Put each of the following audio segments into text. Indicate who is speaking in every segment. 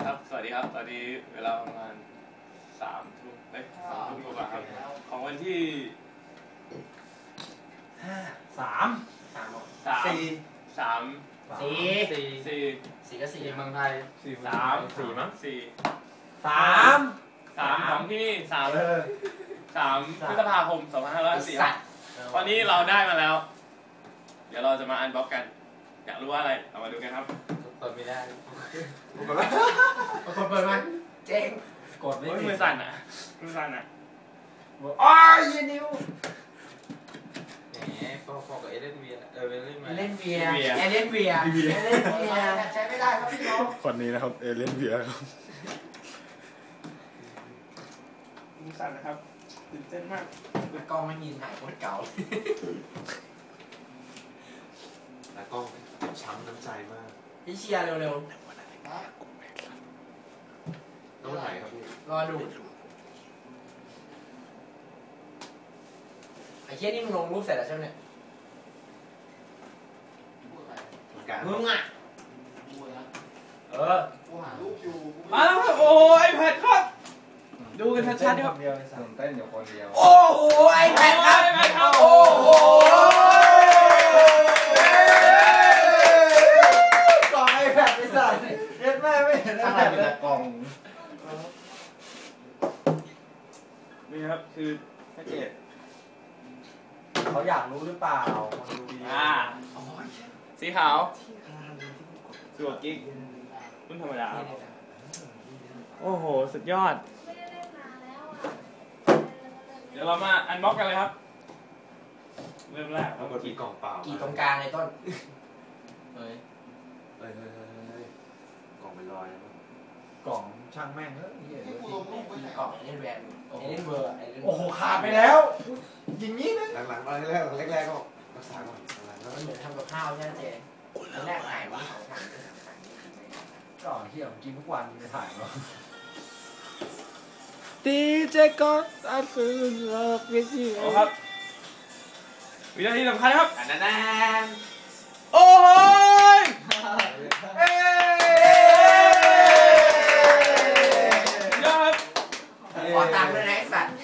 Speaker 1: ครับสวัสดีครับตอนนี้เวลาประมาณ3 ทุ่ม2 ทุ่มกว่าครับของวันที่4ก็4
Speaker 2: เมืองไทย
Speaker 1: 3มั้ง3ของที่นี่3 พฤษภาคม 2504วันนี้เราได้มาแล้วเดี๋ยวเราจะมาอันบ็อกกันอยากรู้ว่าอะไรเรามาดูกันครับ
Speaker 2: เปิดไม่ได้
Speaker 3: คนเปิดไหม
Speaker 2: เจ๊ง
Speaker 1: กดไม่มือสั่นอ่ะ
Speaker 3: อ๋อยีนิว
Speaker 2: แหมพอกับเอเลนเวีย
Speaker 3: ใช้ไม่ได้ครับพี่น้อง
Speaker 4: คนนี้นะครับเอเลนเวียครับ
Speaker 1: มือสั่นนะครับตื่นเต้นมาก
Speaker 2: กล้องไม่มีถ่ายคนเก่าแล้วกล้องช้ำน้ำใจมาก
Speaker 3: พี่เชียร์เร็ว
Speaker 2: ๆต้องถ่ายครับพี่
Speaker 3: รอดูไอ้เชี่ยนี่มึงลงรูปเสร็จแล้วใช่ไหมเนี่ยมึงอ่ะ
Speaker 1: มาแล้วครับโอ้ยแพดครับดูกันชัดๆครับ
Speaker 4: เต้นอยู่คนเดียว
Speaker 3: โอ้โหไอ้แพดครับโอ้โหกล่องไอ้แพดไปสั่นเย็ดแม่ไม่เห็นอะไร
Speaker 4: เป็นกล่อง
Speaker 1: นี่ครับคือแพ็กเกจ
Speaker 3: เขาอยากรู้หรือเปล่า
Speaker 1: สีขาวตัวกิ๊กรุ่นธรรมดาโอ้โหสุดยอดเดี๋ยวเรามาอันบ็อกกันเลยครับเริ่มแรก
Speaker 2: เรากี่กล่องเปล่า
Speaker 3: กี่ตรงกลางเลยต้น
Speaker 2: เฮ้ยกล่องเป็นรอย
Speaker 4: กล่องช่างแม่ง
Speaker 3: กล่องเอเลนเวอร์โอ้โหขาดไปแล้วอย่างนี้นะ
Speaker 2: หลังๆแรกก็รักษาก่อน
Speaker 3: มันเหมือนทำกับข้าวใช่ไหมเจ๊แรกถ่ายว่าก่อนที่ผมกินทุกวันจะถ่ายว่า
Speaker 4: ดีเจก็อันคือเลิกวิธี
Speaker 1: โอ้ครับวินาทีสำคัญครับ
Speaker 3: นั่น
Speaker 1: โอ้ยยอด
Speaker 3: ขอตังค์ด้วยนะไอ้สัตว์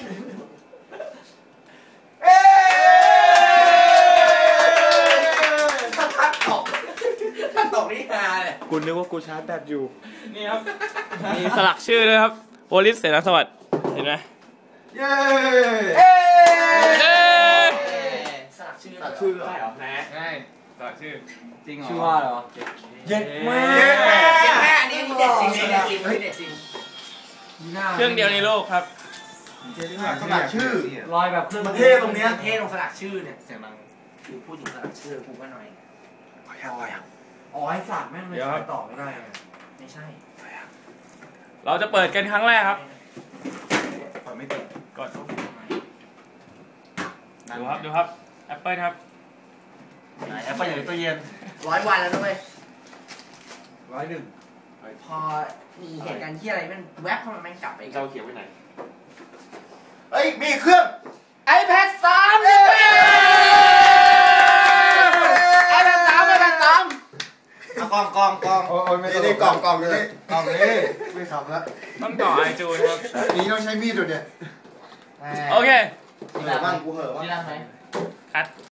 Speaker 3: ถ้าตกนี่ฮาเลย
Speaker 4: กูนึกว่ากูชาร์จแบตอยู่
Speaker 1: นี่ครับมีสลักชื่อเลยครับโอลิสเสนาสวัสดิ์เห็นไหม
Speaker 4: เย้
Speaker 3: สลักชื่อ
Speaker 2: ได้เหรอ
Speaker 1: แหนง่ายสลักชื่อ
Speaker 4: จริงเหรอ
Speaker 3: ชื่อว่าเหรอ
Speaker 4: เย็ดแม่
Speaker 3: อันนี้เด็ดจริงเด็ดจริง
Speaker 1: เครื่องเดียวในโลกครับ
Speaker 4: สลักชื่อ
Speaker 3: รอยแบบเครื่อง
Speaker 4: ประเทศตรงเนี้ย
Speaker 3: เทศตรงสลักชื่อเนี่ยเสียงดังคือพูดถึงสลักชื่อกูก็หน่อยอ๋อไอ้สัตว์แม่งเลยต่อไม่ได้ไม่ใช่
Speaker 1: เราจะเปิดกันครั้งแรกครับ
Speaker 4: ก่อนไม่ติด
Speaker 1: ก่อนดูครับแอปเปิลครับ
Speaker 4: แอปเปิลอยู่ในตู้เย็น
Speaker 3: 100 วันแล้วด้วย
Speaker 4: 101
Speaker 3: พอมีเหตุการณ์ที่อะไรมันแวบเข้ามาแม่งกลับไป
Speaker 2: เราเขียนไว้ไหน
Speaker 4: เอ้ยมีเครื่อง
Speaker 3: iPad 3เลย iPad 3
Speaker 4: กล่องโอ้ยไม่ได้กล่องนี่ไม่ขำแล้ว
Speaker 1: ต้องต่อไอจูนครับ
Speaker 4: นี่ต้องใช้มีดดูเนี่ย
Speaker 1: โอเค
Speaker 4: เหอะบ้างกูเหอะบ้าง
Speaker 3: นี่รังไหม
Speaker 1: คัด